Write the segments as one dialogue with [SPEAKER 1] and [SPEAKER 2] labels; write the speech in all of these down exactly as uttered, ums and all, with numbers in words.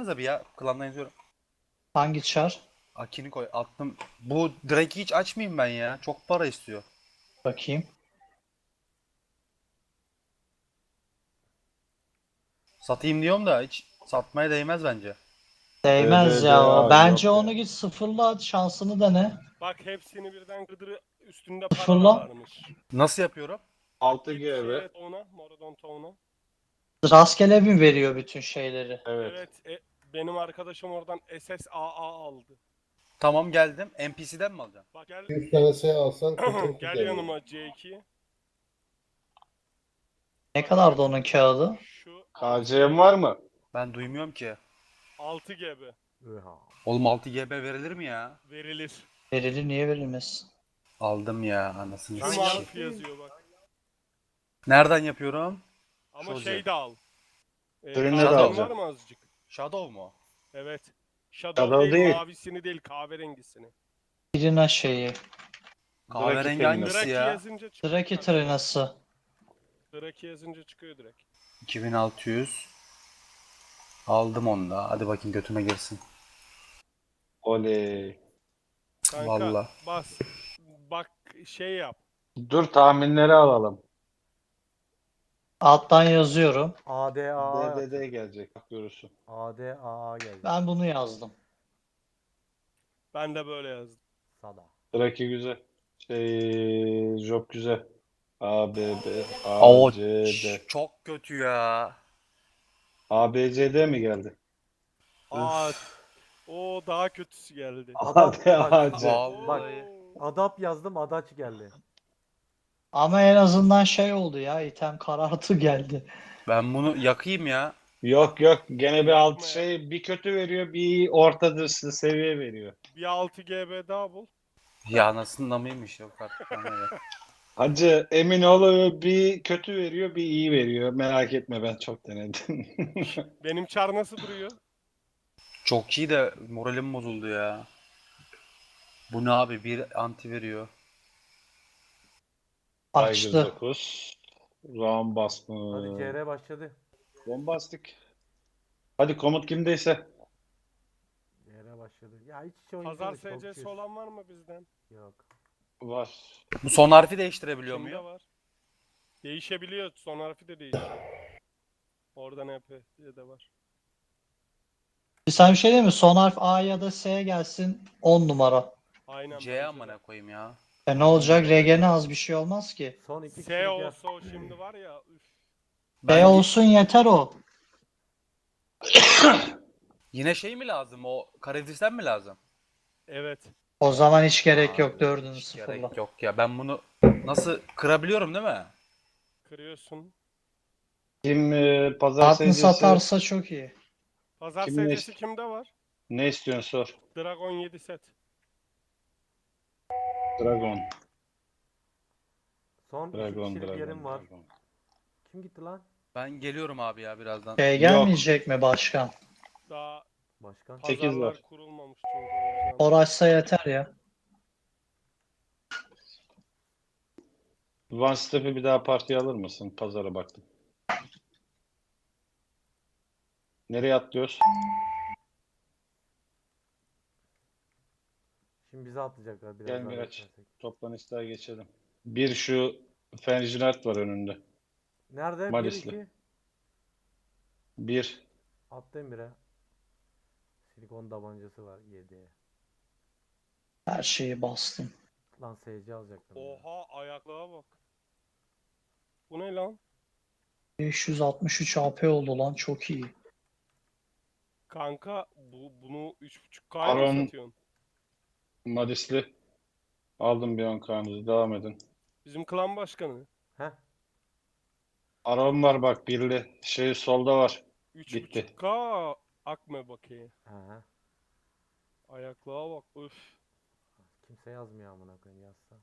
[SPEAKER 1] koysanıza bir ya. Klandan yazıyorum.
[SPEAKER 2] Hangi çar?
[SPEAKER 1] Akini koy. Attım. Bu Drake'i hiç açmayayım ben ya. Çok para istiyor.
[SPEAKER 2] Bakayım.
[SPEAKER 1] Satayım diyorum da hiç satmaya değmez bence.
[SPEAKER 2] Değmez ya o.
[SPEAKER 3] D B D A
[SPEAKER 2] Bence
[SPEAKER 3] yok
[SPEAKER 2] onu
[SPEAKER 3] ya.
[SPEAKER 2] git sıfırla şansını dene.
[SPEAKER 4] Bak hepsini birden gıdırı üstünde para da
[SPEAKER 2] Sıfırla.
[SPEAKER 4] varmış.
[SPEAKER 1] Nasıl yapıyorum?
[SPEAKER 3] altı
[SPEAKER 4] Git
[SPEAKER 3] G B.
[SPEAKER 4] şeye ona, Moradon Town'a.
[SPEAKER 2] Rastgele mi veriyor bütün şeyleri?
[SPEAKER 3] Evet.
[SPEAKER 4] Evet, e, benim arkadaşım oradan S S A A aldı.
[SPEAKER 1] Tamam geldim. N P C'den mi alacağım?
[SPEAKER 4] Bak gel
[SPEAKER 5] yüz tane şey alsan kırk iki
[SPEAKER 4] gel
[SPEAKER 5] geliyor.
[SPEAKER 4] yanıma C iki.
[SPEAKER 2] Ne kadardı onun kağıdı?
[SPEAKER 4] Şu
[SPEAKER 3] K C'm var mı?
[SPEAKER 1] Ben duymuyorum ki.
[SPEAKER 4] altı G B
[SPEAKER 1] Oğlum altı G B verilir mi ya?
[SPEAKER 4] verilir.
[SPEAKER 2] Verilir, niye verilmez?
[SPEAKER 1] Aldım ya anasını
[SPEAKER 4] Tüm
[SPEAKER 1] sikeyim.
[SPEAKER 4] harf yazıyor bak.
[SPEAKER 1] Nereden yapıyorum?
[SPEAKER 4] Ama
[SPEAKER 1] Şoze.
[SPEAKER 4] şey de al. E,
[SPEAKER 3] Ürünleri
[SPEAKER 4] kahven
[SPEAKER 1] alacağım.
[SPEAKER 4] var mı azıcık?
[SPEAKER 1] Shadow mu?
[SPEAKER 4] Evet. Shadow,
[SPEAKER 3] Shadow
[SPEAKER 4] değil,
[SPEAKER 3] değil.
[SPEAKER 4] mavisini değil, kahverengisini.
[SPEAKER 2] Birine şeyi.
[SPEAKER 1] Kahverengi
[SPEAKER 3] Draki
[SPEAKER 1] hangisi
[SPEAKER 4] Draki
[SPEAKER 1] ya?
[SPEAKER 4] yazınca çıkıyor.
[SPEAKER 2] Draki Trinası.
[SPEAKER 4] Draki yazınca çıkıyor direkt.
[SPEAKER 1] iki bin altı yüz. Aldım onu da. Hadi bakayım götüme girsin.
[SPEAKER 3] Oley.
[SPEAKER 4] Kanka
[SPEAKER 1] Vallahi.
[SPEAKER 4] bas. Bak şey yap.
[SPEAKER 3] Dur tahminleri alalım.
[SPEAKER 2] Alttan yazıyorum.
[SPEAKER 6] A D A
[SPEAKER 3] D D D gelecek. Bak görürsün.
[SPEAKER 6] A D A A geldi.
[SPEAKER 2] Ben bunu yazdım.
[SPEAKER 4] Ben de böyle yazdım.
[SPEAKER 6] Sada.
[SPEAKER 3] Draki güzel. Şey, Job güzel. A, B, B, A,
[SPEAKER 1] Oo,
[SPEAKER 3] C, D.
[SPEAKER 1] ç- çok kötü ya.
[SPEAKER 3] A, B, C, D mi geldi?
[SPEAKER 4] Aa, o daha kötüsü geldi.
[SPEAKER 6] Adam,
[SPEAKER 3] A, D, A,
[SPEAKER 6] bak,
[SPEAKER 3] C.
[SPEAKER 1] Vallahi.
[SPEAKER 6] Adap yazdım, Adaç geldi.
[SPEAKER 2] Ama en azından şey oldu ya, item karartı geldi.
[SPEAKER 1] Ben bunu yakayım ya.
[SPEAKER 3] Yok yok. Gene bir alt
[SPEAKER 4] Yapma ya.
[SPEAKER 3] şey bir kötü veriyor, bir orta dışı seviye veriyor.
[SPEAKER 4] Bir altı G B daha bul.
[SPEAKER 1] Ya anasında mıymış yok artık. bana ne.
[SPEAKER 3] Hacı emin ol bir kötü veriyor, bir iyi veriyor. Merak etme ben çok denedim.
[SPEAKER 4] Benim çar nasıl duruyor?
[SPEAKER 1] Çok iyi de moralim bozuldu ya. Bu ne abi? Bir anti veriyor.
[SPEAKER 3] Tiger
[SPEAKER 2] Açtı.
[SPEAKER 3] dokuz. Round basma.
[SPEAKER 6] Hadi C R başladı.
[SPEAKER 3] Bombastik. Hadi komut kimdeyse.
[SPEAKER 6] C R başladı. Ya hiç hiç oyuncu
[SPEAKER 4] Pazar
[SPEAKER 6] da çok
[SPEAKER 4] S C'si
[SPEAKER 6] şey-
[SPEAKER 4] olan var mı bizden?
[SPEAKER 6] Yok.
[SPEAKER 3] Var.
[SPEAKER 1] Bu son harfi değiştirebiliyor
[SPEAKER 4] Kimde
[SPEAKER 1] muyum?
[SPEAKER 4] var? Değişebiliyor. Son harfi de değişiyor. Orada ne yapıyor diye de var.
[SPEAKER 2] Bir sen bir şey değil mi? Son harf A ya da S gelsin on numara.
[SPEAKER 4] Aynen.
[SPEAKER 1] C
[SPEAKER 4] bence
[SPEAKER 1] amına
[SPEAKER 4] de.
[SPEAKER 1] koyayım ya.
[SPEAKER 2] E ne olacak? R G'ne az bir şey olmaz ki.
[SPEAKER 6] Son iki
[SPEAKER 4] S
[SPEAKER 6] kişilik yaz.
[SPEAKER 4] olsa o şimdi var ya. Üf.
[SPEAKER 2] B
[SPEAKER 1] Ben
[SPEAKER 2] olsun yeter o.
[SPEAKER 1] yine şey mi lazım? O karakteristen mi lazım?
[SPEAKER 4] Evet.
[SPEAKER 2] O zaman hiç gerek
[SPEAKER 1] Abi,
[SPEAKER 2] yok, dördünü
[SPEAKER 1] hiç
[SPEAKER 2] sıfırla.
[SPEAKER 1] gerek yok ya. Ben bunu nasıl kırabiliyorum değil mi?
[SPEAKER 4] Kırıyorsun.
[SPEAKER 3] Kim e, pazar
[SPEAKER 2] Altın
[SPEAKER 3] seyircisi
[SPEAKER 2] satarsa çok iyi.
[SPEAKER 4] Pazar
[SPEAKER 3] Kim
[SPEAKER 4] S
[SPEAKER 3] ne
[SPEAKER 4] C'si
[SPEAKER 3] ist-
[SPEAKER 4] kimde var?
[SPEAKER 3] ne istiyorsun sor.
[SPEAKER 4] Dragon yedi set.
[SPEAKER 3] Dragon.
[SPEAKER 6] Son iki
[SPEAKER 3] Dragon,
[SPEAKER 6] kişilik
[SPEAKER 3] Dragon,
[SPEAKER 6] yerim var.
[SPEAKER 3] Dragon.
[SPEAKER 6] Kim gitti lan?
[SPEAKER 1] Ben geliyorum abi ya birazdan.
[SPEAKER 2] Şey gelmeyecek mi başkan?
[SPEAKER 4] Daha
[SPEAKER 6] Başkan.
[SPEAKER 3] Sekiz
[SPEAKER 4] pazarlar
[SPEAKER 3] var.
[SPEAKER 4] kurulmamış çünkü o yüzden.
[SPEAKER 2] Uğraşsa yeter ya.
[SPEAKER 3] One Step'i bir daha partiye alır mısın? Pazara baktım. Nereye atlıyoruz?
[SPEAKER 6] Şimdi bize atlayacaklar biraz
[SPEAKER 3] Gel
[SPEAKER 6] daha
[SPEAKER 3] Miraç.
[SPEAKER 6] beklersek.
[SPEAKER 3] Toplan ister geçelim. Bir şu Fenjinart var önünde.
[SPEAKER 6] Nerede? Bir
[SPEAKER 3] Malisli.
[SPEAKER 6] iki.
[SPEAKER 3] Bir.
[SPEAKER 6] Attım bire. Silikon tabancası var yedi.
[SPEAKER 2] Her şeyi bastım.
[SPEAKER 6] Lan S C alacaktım. ya.
[SPEAKER 4] Oha ayaklığa bak. Bu ne lan?
[SPEAKER 2] beş yüz altmış üç A P oldu lan, çok iyi.
[SPEAKER 4] Kanka bu bunu üç buçuk K'ya mı
[SPEAKER 3] Aron-
[SPEAKER 4] satıyorsun?
[SPEAKER 3] Madisli. Aldım bir on kanınızı. Devam edin.
[SPEAKER 4] Bizim klan başkanı.
[SPEAKER 6] Heh.
[SPEAKER 3] Aron var bak birli. Şey solda var.
[SPEAKER 4] üç
[SPEAKER 3] Gitti.
[SPEAKER 4] buçuk K akme bakayım.
[SPEAKER 6] Aha.
[SPEAKER 4] Ayaklığa bak. Üf.
[SPEAKER 6] Kimse yazmıyor amına koyayım yazsa.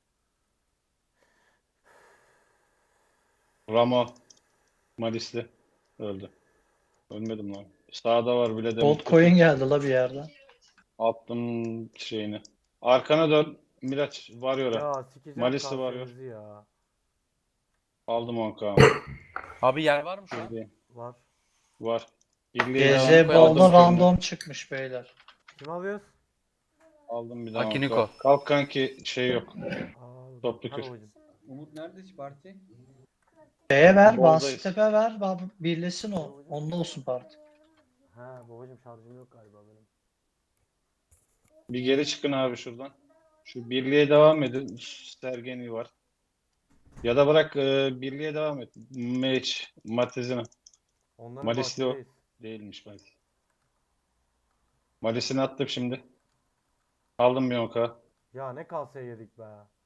[SPEAKER 3] Ramo. Madisli. Öldü. Ölmedim lan. Sağda var bile de.
[SPEAKER 2] Gold coin geldi la bir yerden.
[SPEAKER 3] Attım şeyini. Arkana dön. Miraç varıyor.
[SPEAKER 6] Ya sikeceğim
[SPEAKER 3] Malisi var ya.
[SPEAKER 6] kahvenizi ya.
[SPEAKER 3] Aldım on kanı.
[SPEAKER 1] Abi yer var mı şu an?
[SPEAKER 6] Var.
[SPEAKER 3] Var. Birliğe
[SPEAKER 2] G Z
[SPEAKER 3] devam.
[SPEAKER 2] Ball'da
[SPEAKER 3] Aldım
[SPEAKER 2] random
[SPEAKER 3] random.
[SPEAKER 2] çıkmış beyler.
[SPEAKER 6] Kim alıyoruz?
[SPEAKER 3] Aldım bir daha.
[SPEAKER 1] Akiniko.
[SPEAKER 3] Kalk. Kalk kanki şey yok.
[SPEAKER 6] Aa,
[SPEAKER 3] Toplu
[SPEAKER 6] hadi
[SPEAKER 3] kür.
[SPEAKER 6] babacım.
[SPEAKER 5] Umut nerede parti?
[SPEAKER 2] Şeye ver,
[SPEAKER 3] Ball'dayız.
[SPEAKER 2] Basitepe ver, ba- birleşsin o. Onunla olsun parti.
[SPEAKER 6] Ha babacım şarjım yok galiba benim.
[SPEAKER 3] Bir geri çıkın abi şuradan. Şu birliğe devam edin. Sergeni var. Ya da bırak e, birliğe devam et. Meç, Matezina.
[SPEAKER 6] Onların
[SPEAKER 3] Malisli o.
[SPEAKER 6] bahçedeyiz.
[SPEAKER 3] Değilmiş Malis. Malis'ini attım şimdi. Aldım bir onka.
[SPEAKER 6] Ya ne kalsaya yedik be.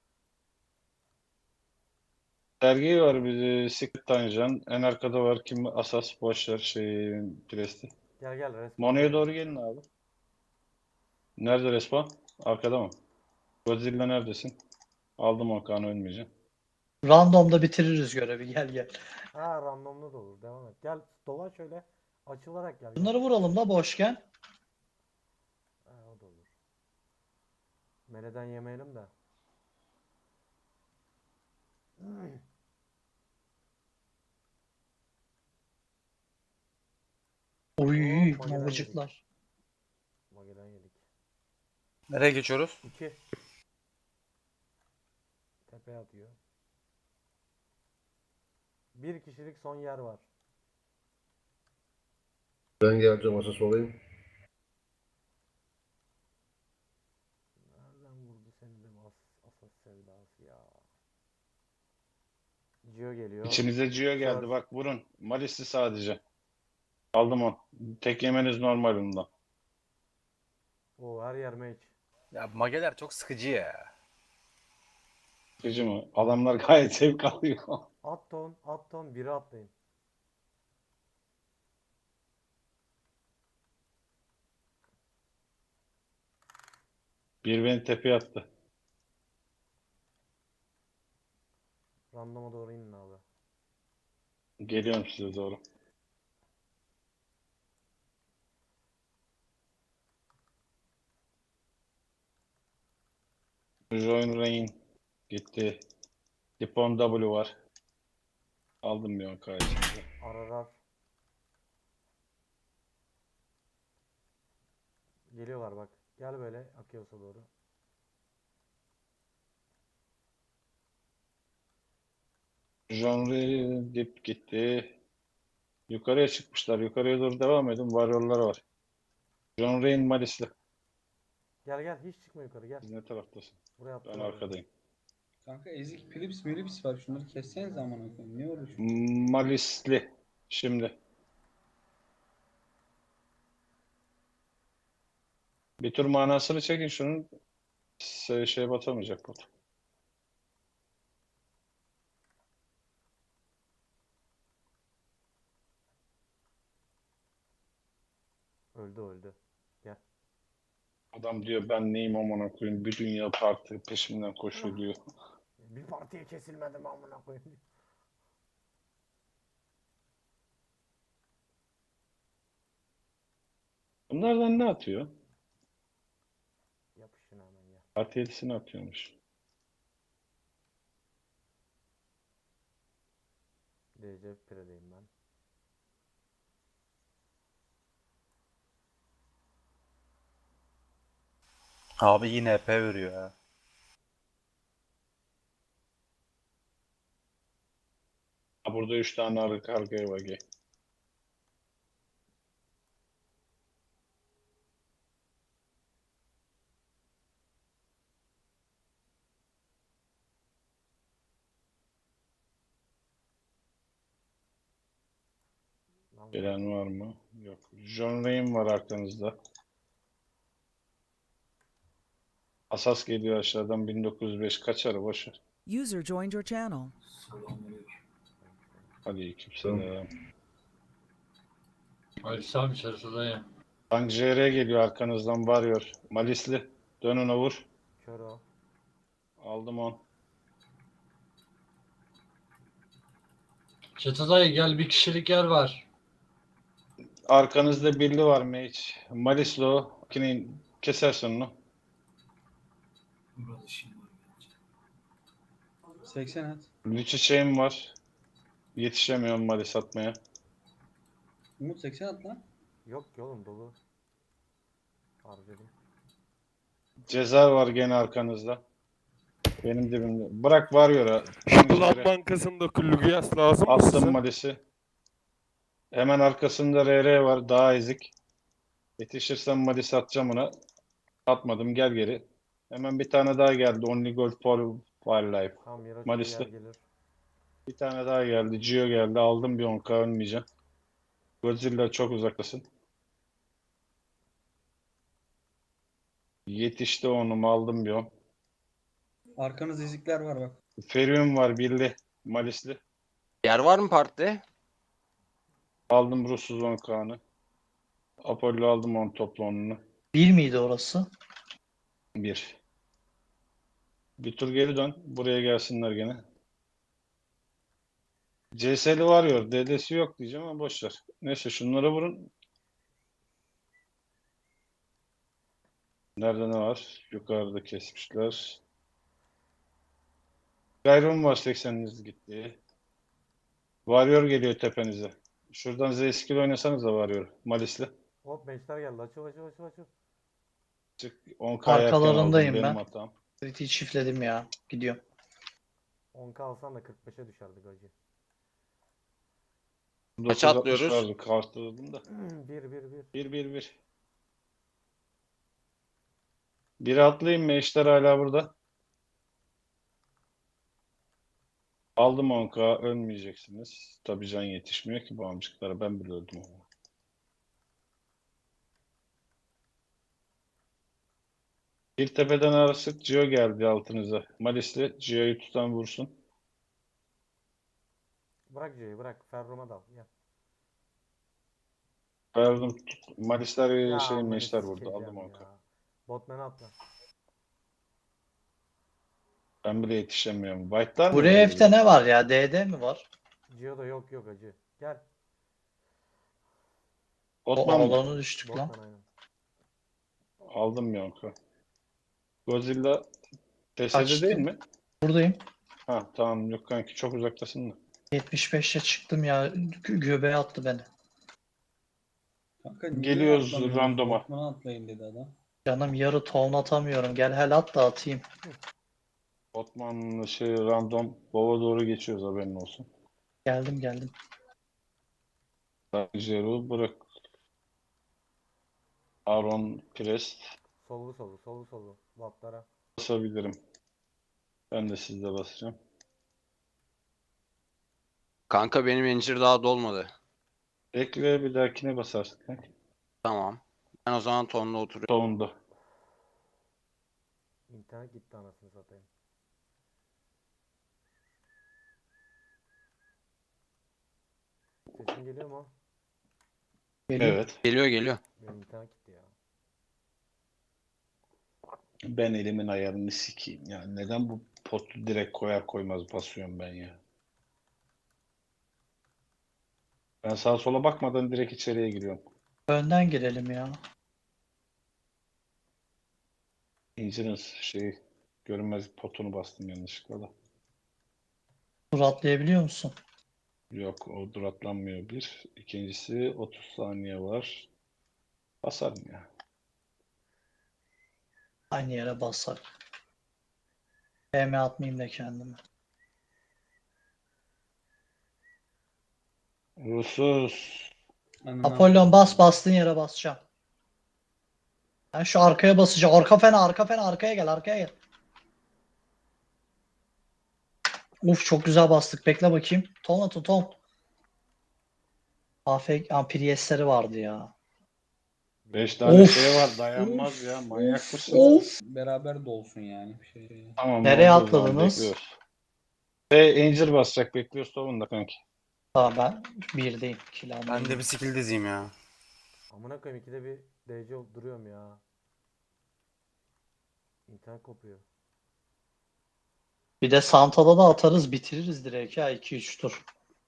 [SPEAKER 3] Sergi var bir Secret Tanjan. En arkada var kim? Asas boşver şey Presti.
[SPEAKER 6] Gel gel resmen.
[SPEAKER 3] Mono'ya doğru gelin abi. Nerede respawn? Arkada mı? Godzilla neredesin? Aldım onkanı ölmeyeceğim.
[SPEAKER 2] Random'da bitiririz görevi, gel gel.
[SPEAKER 6] Ha randomlu da olur. Devam et. Gel dolaş şöyle. Açılarak gel.
[SPEAKER 2] Bunları vuralım da boşken.
[SPEAKER 6] Ha, o da olur. Meleden yemeyelim de.
[SPEAKER 2] Uy,
[SPEAKER 6] Oo, Magellan
[SPEAKER 2] mamacıklar.
[SPEAKER 6] Magellan yedik.
[SPEAKER 1] Nereye geçiyoruz?
[SPEAKER 6] İki. Tepeye atıyor. Bir kişilik son yer var.
[SPEAKER 7] Ben geleceğim asas olayım.
[SPEAKER 6] Nereden vurdu seni de as asas sevdası ya. Gio geliyor.
[SPEAKER 3] İçimize Gio geldi.
[SPEAKER 6] Sor.
[SPEAKER 3] Bak vurun. Malisli sadece. Aldım on. Tek yemeniz normal bundan.
[SPEAKER 6] Oo her yer mage.
[SPEAKER 1] Ya mageler çok sıkıcı ya.
[SPEAKER 3] Sıkıcı mı? Adamlar gayet zevk alıyor.
[SPEAKER 6] At ton, at ton, biri atlayın.
[SPEAKER 3] Bir beni tepeye attı.
[SPEAKER 6] Randoma doğru inin abi.
[SPEAKER 3] Geliyorum size doğru. Join Rain gitti. Dipon W var. Aldım bir onka içinde.
[SPEAKER 6] Ararar. Geliyorlar bak. Gel böyle Akios'a doğru.
[SPEAKER 3] John Rain dip gitti. Yukarıya çıkmışlar. Yukarıya doğru devam edin. Warrior'lar var. John Rain Malisli.
[SPEAKER 6] Gel gel hiç çıkma yukarı gel.
[SPEAKER 3] Siz ne taraftasın?
[SPEAKER 6] Buraya
[SPEAKER 3] Ben
[SPEAKER 6] attılar.
[SPEAKER 3] arkadayım.
[SPEAKER 5] Kanka ezik Philips Philips var. Şunları kesseniz amına koyayım. Ne uğraşıyorsun?
[SPEAKER 3] Malisli. Şimdi. Bir tur manasını çekin şunun. Şey, şey batamayacak bot.
[SPEAKER 6] Öldü öldü.
[SPEAKER 3] Adam diyor ben neyim amına koyayım. Bir dünya parti peşimden koşuyor diyor.
[SPEAKER 6] Bir partiye kesilmedim amına koyayım.
[SPEAKER 3] Bunlardan ne atıyor?
[SPEAKER 6] Yapışın hemen ya.
[SPEAKER 3] Parti yedisini atıyormuş.
[SPEAKER 6] D C Pire'deyim ben.
[SPEAKER 1] Abi yine E P veriyor ya.
[SPEAKER 3] Ha, burada üç tane arka arkaya var. Gel.
[SPEAKER 6] Lan
[SPEAKER 3] Gelen var mı? Yok. John Rain var arkanızda. Asas geliyor aşağıdan bin dokuz yüz beş kaçar boş ver.
[SPEAKER 8] User joined your channel.
[SPEAKER 3] Hadi kimselam.
[SPEAKER 9] Aleykümselam içerisi dayı.
[SPEAKER 3] Tank J R geliyor arkanızdan varıyor. Malisli. Dön ona vur.
[SPEAKER 6] kör o.
[SPEAKER 3] Aldım on.
[SPEAKER 9] Çete dayı gel bir kişilik yer var.
[SPEAKER 3] Arkanızda birli var Mage. Malislo. Kinin kesersin onu.
[SPEAKER 5] seksen at.
[SPEAKER 3] Lüçü şeyim var. Yetişemiyorum Malis atmaya.
[SPEAKER 5] Umut seksen at lan.
[SPEAKER 6] Yok ki oğlum dolu. Harcadım.
[SPEAKER 3] Cezar var gene arkanızda. Benim dibimde. Bırak Warrior'a.
[SPEAKER 4] Ulan Bankası'nda Lugias lazım mı
[SPEAKER 3] Attım
[SPEAKER 4] size?
[SPEAKER 3] Malis'i. Hemen arkasında R R var. Daha ezik. Yetişirsem Malis atacağım ona. Atmadım. Gel geri. Hemen bir tane daha geldi. Only gold for wildlife.
[SPEAKER 6] Tamam Miraç
[SPEAKER 3] Malis'te.
[SPEAKER 6] yer gelir.
[SPEAKER 3] Bir tane daha geldi. Gio geldi. Aldım bir on ka ölmeyeceğim. Godzilla çok uzaktasın. Yetişti onum. Aldım bir on.
[SPEAKER 5] Arkanız ezikler var bak.
[SPEAKER 3] Ferium var. Birli. Malisli.
[SPEAKER 8] Yer var mı partide?
[SPEAKER 3] Aldım Rus'suz on kanı. Apollo aldım on toplu onunu.
[SPEAKER 2] Bir miydi orası?
[SPEAKER 3] Bir. Bir tur geri dön. Buraya gelsinler gene. C S'li Warrior. D D'si yok diyeceğim ama boş ver. Neyse şunlara vurun. Nerede ne var? Yukarıda kesmişler. Gayron var sekseniniz gitti. Warrior geliyor tepenize. Şuradan Z skill oynasanız da Warrior. Malisli.
[SPEAKER 6] Hop meşler geldi. Açıl açıl açıl açıl.
[SPEAKER 3] Çık. on ka erken aldım.
[SPEAKER 2] Arkalarındayım
[SPEAKER 3] Benim
[SPEAKER 2] ben.
[SPEAKER 3] hatam.
[SPEAKER 2] Kritiği çiftledim ya. Gidiyorum.
[SPEAKER 6] on ka alsan da kırk beşe düşerdi gacı.
[SPEAKER 3] dokuz altmış
[SPEAKER 8] atlıyoruz?
[SPEAKER 3] vardı. Kartladım da.
[SPEAKER 6] bir bir bir.
[SPEAKER 3] Bir bir bir. Bir atlayayım mı? Eşler hala burada. Aldım on ka ölmeyeceksiniz. Tabii can yetişmiyor ki bu amcıklara. Ben bile öldüm ama. Bir tepeden arasık Gio geldi altınıza. Malisli Gio'yu tutan vursun.
[SPEAKER 6] Bırak C'yi bırak. Ferrum'a dal. Gel.
[SPEAKER 3] Verdim. Malisler
[SPEAKER 6] Ya
[SPEAKER 3] şey
[SPEAKER 6] amına
[SPEAKER 3] meşler vurdu.
[SPEAKER 6] sikeceğim
[SPEAKER 3] Aldım on ka.
[SPEAKER 6] ya. Botman'a atla.
[SPEAKER 3] Ben bile yetişemiyorum. White'lar mı?
[SPEAKER 2] Buraya
[SPEAKER 3] böyle
[SPEAKER 2] F'te
[SPEAKER 3] bir-
[SPEAKER 2] ne var ya? D D mi var?
[SPEAKER 6] Gio'da yok yok acı. Gel.
[SPEAKER 2] O
[SPEAKER 3] Otman mı?
[SPEAKER 2] alanı düştük lan.
[SPEAKER 6] Botman aynen.
[SPEAKER 3] Aldım bir on ka. Godzilla T S'de
[SPEAKER 2] Kaçtı.
[SPEAKER 3] değil mi?
[SPEAKER 2] Buradayım.
[SPEAKER 3] Ha tamam yok kanki çok uzaktasın da.
[SPEAKER 2] yetmiş beşe çıktım ya. Gö- göbeğe attı beni.
[SPEAKER 5] Kanka niye
[SPEAKER 3] Geliyoruz
[SPEAKER 5] atlamıyorsunuz?
[SPEAKER 3] randoma.
[SPEAKER 5] Botman'a atlayın dedi adam.
[SPEAKER 2] Canım yarı ton atamıyorum. Gel hel at da atayım.
[SPEAKER 3] Otman'la şey random baba doğru geçiyoruz haberin olsun.
[SPEAKER 2] Geldim geldim.
[SPEAKER 3] Zero bırak. Aaron Prest
[SPEAKER 6] Sollu sollu sollu sollu. Vatlara.
[SPEAKER 3] basabilirim. Ben de sizde basacağım.
[SPEAKER 8] Kanka benim incir daha dolmadı.
[SPEAKER 3] Ekle bir dahakine basarsın kanka.
[SPEAKER 8] Tamam. Ben o zaman tonla oturuyorum.
[SPEAKER 3] Sonunda.
[SPEAKER 6] İnternet gitti anasını satayım. Sesin geliyor mu?
[SPEAKER 2] Geliyor.
[SPEAKER 3] Evet.
[SPEAKER 8] Geliyor geliyor.
[SPEAKER 6] Benim internet gitti ya.
[SPEAKER 3] Ben elimin ayarını sikeyim. Ya neden bu potu direkt koyar koymaz basıyorum ben ya. Ben sağa sola bakmadan direkt içeriye giriyorum.
[SPEAKER 2] Önden girelim ya.
[SPEAKER 3] İncirin şey görünmez potunu bastım yanlışlıkla da.
[SPEAKER 2] Dur atlayabiliyor musun?
[SPEAKER 3] Yok o duratlanmıyor bir. İkincisi otuz saniye var. Basarım ya.
[SPEAKER 2] Aynı yere basar. P M atmayayım da kendime.
[SPEAKER 3] Rusuz.
[SPEAKER 5] Ananı
[SPEAKER 2] Apollon bas bastığın yere basacağım. Ben şu arkaya basacağım. Arka fena arka fena arkaya gel arkaya gel. Uf çok güzel bastık. Bekle bakayım. Ton atın ton. Afk Ampriyesleri vardı ya.
[SPEAKER 3] Beş tane
[SPEAKER 2] Of.
[SPEAKER 3] şey var dayanmaz ya. Manyak
[SPEAKER 2] Of.
[SPEAKER 3] mısın?
[SPEAKER 2] Of.
[SPEAKER 5] Beraber dolsun yani bir şey.
[SPEAKER 3] Tamam.
[SPEAKER 2] Nereye
[SPEAKER 3] oldu o zaman,
[SPEAKER 2] atladınız?
[SPEAKER 3] bekliyoruz. Ve Angel basacak. Bekliyoruz da kanki.
[SPEAKER 2] Tamam ben birdeyim. Kill
[SPEAKER 1] Ben de bir skill dizeyim ya.
[SPEAKER 6] Amına koyayım ikide bir D C olup duruyorum ya. İnternet kopuyor.
[SPEAKER 2] Bir de Santa'da da atarız bitiririz direkt ya iki üç tur.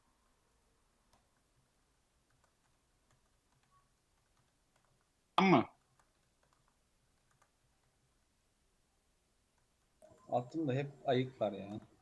[SPEAKER 3] Ama
[SPEAKER 5] Attım da hep ayık var ya.